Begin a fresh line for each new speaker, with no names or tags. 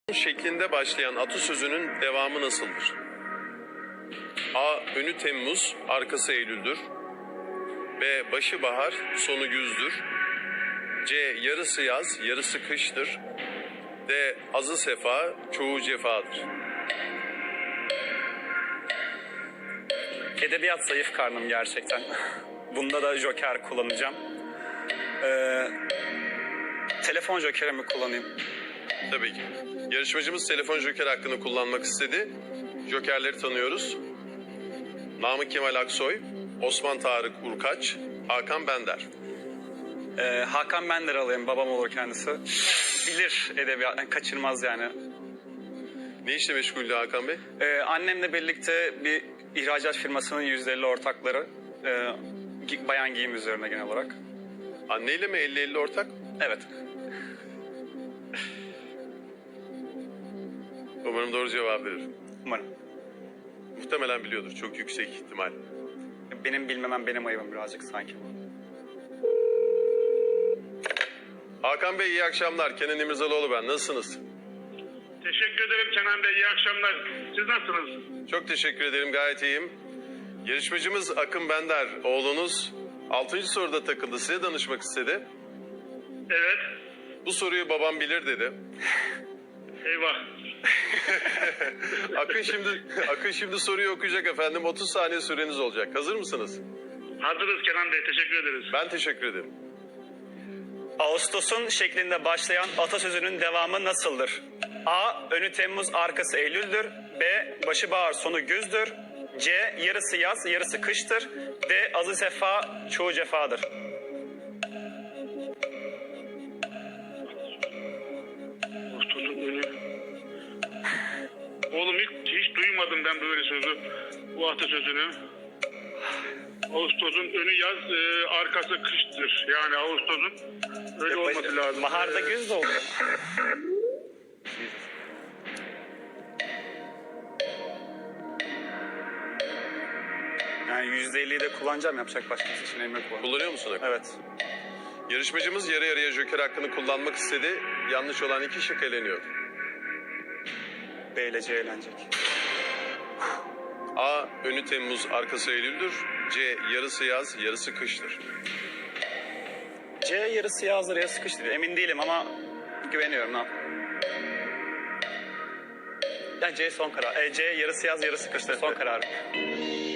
Şeklinde başlayan atasözünün devamı nasıldır? A. Önü Temmuz, arkası Eylül'dür. B. Başı bahar, sonu güzdür. C. Yarısı yaz, yarısı kıştır. D. Azı sefa, çoğu cefadır.
Edebiyat zayıf karnım gerçekten. Bunda da joker kullanacağım. Telefon jokerimi kullanayım.
Tabii ki. Yarışmacımız telefon joker hakkını kullanmak istedi. Jokerleri tanıyoruz. Namık Kemal Aksoy, Osman Tarık Urkaç, Hakan Bender.
Hakan Bender alayım, babam olur kendisi. Bilir edebiyat, yani kaçırmaz yani.
Ne işle meşguldü Hakan Bey?
Annemle birlikte bir ihracat firmasının %50 ortakları. Bayan giyim üzerine genel olarak.
Anneyle mi 50-50 ortak?
Evet.
Umarım doğru cevap verir.
Umarım.
Muhtemelen biliyordur, çok yüksek ihtimal.
Benim bilmemem benim ayıbım birazcık sanki.
Hakan Bey iyi akşamlar. Kenan İmirzalıoğlu ben. Nasılsınız?
Teşekkür ederim Kenan Bey. İyi akşamlar. Siz nasılsınız?
Çok teşekkür ederim. Gayet iyiyim. Yarışmacımız Akın Bender. Oğlunuz 6. soruda takıldı. Size danışmak istedi.
Evet.
Bu soruyu babam bilir dedi.
Eyvah.
Akın şimdi soruyu okuyacak efendim. 30 saniye süreniz olacak. Hazır mısınız?
Hazırız Kenan Bey. Teşekkür ederiz.
Ben teşekkür ederim.
Ağustos'un şeklinde başlayan atasözünün devamı nasıldır? A. Önü Temmuz, arkası Eylül'dür. B. Başı bahar, sonu güzdür. C. Yarısı yaz, yarısı kıştır. D. Azı sefa, çoğu cefadır.
Ağustos'un önü. Oğlum hiç duymadım ben böyle sözü. Bu atasözünü. Ağustos'un önü yaz, arkası kıştır. Yani Ağustos'un öyle olması lazım.
Baharda güz de oluyor. Yani %50'yi de kullanacağım. Yapacak başka seçeneğim yok bu.
Kullanıyor musun Akın?
Evet.
Yarışmacımız yarı yarıya joker hakkını kullanmak istedi. Yanlış olan 2 şık eleniyor.
B ile C eğlenecek.
A. Önü Temmuz, arkası Eylül'dür. C. Yarısı yaz, yarısı kıştır.
C yarısı yazdır, yarısı kıştır. Emin değilim ama güveniyorum. Ne yapayım? Ya C son karar. C yarısı yaz, yarısı kıştır. Son kararım.